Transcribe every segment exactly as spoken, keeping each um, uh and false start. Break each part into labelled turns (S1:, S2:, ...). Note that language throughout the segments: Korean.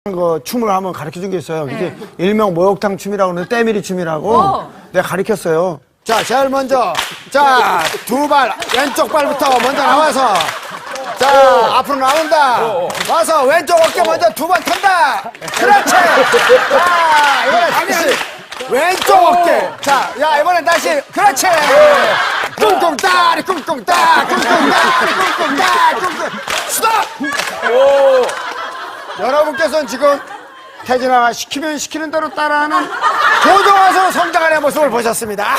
S1: 그 춤을 한번 가르쳐 준 게 있어요. 이게 일명 목욕탕 춤이라고 하는데 때밀이 춤이라고
S2: 어.
S1: 내가 가르쳤어요. 자, 제일 먼저 자, 두 발 왼쪽 발부터 먼저 나와서 자, 앞으로 나온다. 와서 왼쪽 어깨 먼저 두 번 턴다. 그렇지. 자, 이번에 다시 왼쪽 어깨. 자, 야, 이번엔 다시 그렇지. 꿍꿍 따리 꿍꿍 따 꿍꿍 따리 꿍꿍 따 꿍꿍 스톱. 여러분께서는 지금 태진아가 시키면 시키는 대로 따라하는 고등어서 성장하는 모습을 보셨습니다.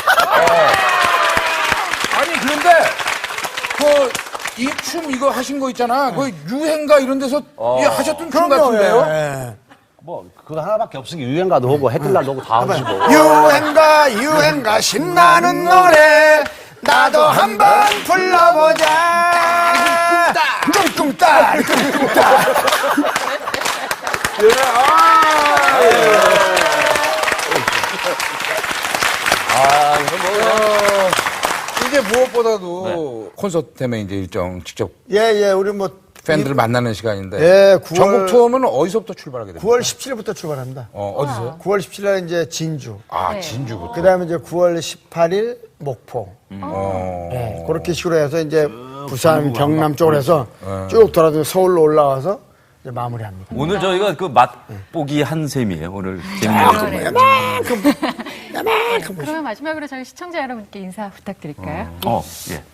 S3: 아니 그런데 그 이 춤 이거 하신 거 있잖아. 그 유행가 이런 데서 이 하셨던 춤 같은데요?
S1: 예.
S4: 뭐 그거 하나밖에 없으니 유행가도 하고 해뜰날도 하고 다 하시고.
S1: 유행가 유행가 신나는 노래 나도 한번 불러보자. 꿍꿍따 꿍꿍따.
S3: 아, 이거 뭐 이제 무엇보다도 콘서트 때문에 이제 일정 직접
S1: 예예 우리 뭐
S3: 팬들을 만나는 시간인데.
S1: 예, 구월
S3: 전국 투어는 어디서부터 출발하게 됩니까?
S1: 구월 십칠일부터 출발합니다.
S3: 어, 어디서요?
S1: 구월 십칠일 이제 진주.
S3: 아, 진주부터.
S1: 그다음에 이제 구월 십팔일 목포.
S3: 어.
S1: 네, 그렇게 식으로 해서 이제 부산, 경남 쪽으로 해서 쭉 돌아다니면서 서울로 올라와서 이제 마무리합니다.
S5: 오늘 저희가 그 맛보기 한 셈이에요. 오늘 재밌는 거.
S2: 그러면 마지막으로 저희 시청자 여러분께 인사 부탁드릴까요?
S5: 어, 예.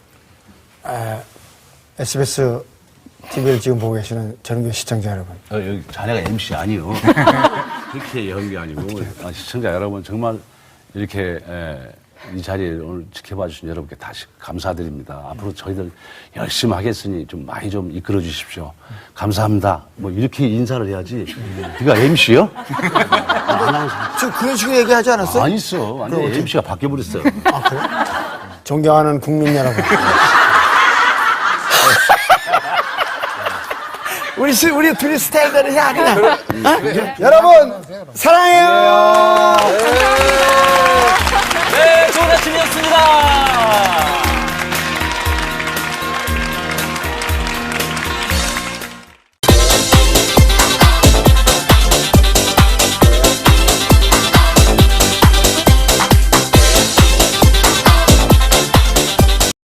S1: 에스비에스 티비를 지금 보고 계시는 전국의 시청자 여러분.
S4: 어, 여기 자네가 엠씨 아니요. 그렇게 연기 아니고 아, 시청자 여러분 정말 이렇게 에, 이 자리에 오늘 지켜봐 주신 여러분께 다시 감사드립니다. 앞으로 저희들 열심히 하겠으니 좀 많이 좀 이끌어 주십시오. 감사합니다. 뭐 이렇게 인사를 해야지. 네가 엠씨요?
S1: 지금 그런 식으로 얘기하지 않았어요?
S4: 안 있어. 완전 엠씨가 바뀌어버렸어.
S1: 아, 그래? 존경하는 국민 여러분. 우리, 스- 우리 둘이 스타일대로 해, 그냥. 어? 여러분, 사랑해요.